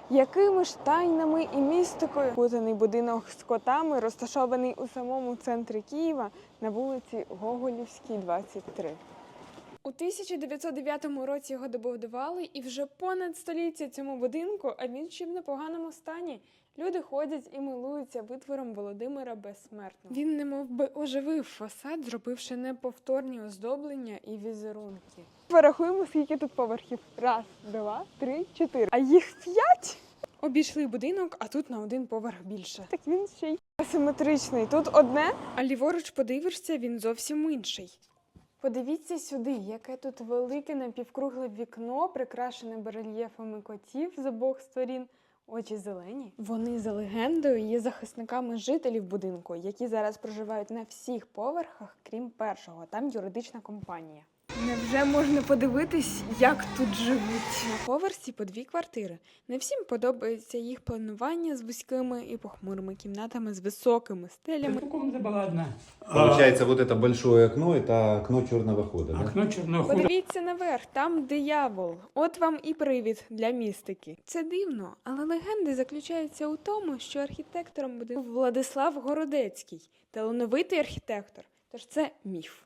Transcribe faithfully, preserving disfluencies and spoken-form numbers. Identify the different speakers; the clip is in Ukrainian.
Speaker 1: Якими ж тайнами і містикою путаний будинок з котами, розташований у самому центрі Києва на вулиці Гоголівській, двадцять три. У тисяча дев'ятсот дев'ятому році його добудували, і вже понад століття цьому будинку, а він ще в непоганому стані. Люди ходять і милуються витвором Володимира Безсмертного. Він немов би оживив фасад, зробивши неповторні оздоблення і візерунки. Порахуємо, скільки тут поверхів. Раз, два, три, чотири. А їх п'ять? Обійшли будинок, а тут на один поверх більше. Так він ще й асиметричний. Тут одне, а ліворуч подивишся, він зовсім інший. Подивіться сюди, яке тут велике напівкругле вікно, прикрашене барельєфами котів з обох сторін. Очі зелені. Вони, за легендою, є захисниками жителів будинку, які зараз проживають на всіх поверхах, крім першого. Там юридична компанія. Невже можна подивитись, як тут живуть? На поверсі по дві квартири. Не всім подобається їх планування з вузькими і похмурими кімнатами з високими стелями.
Speaker 2: Комната была одна.
Speaker 3: Получается, вот это большое окно, это окно черного хода, да?
Speaker 2: Окно черного хода.
Speaker 1: Подивіться наверх, там диявол. От вам і привід для містики. Це дивно, але легенди заключаються у тому, що архітектором буде Владислав Городецький, талановитий архітектор. Тож це міф.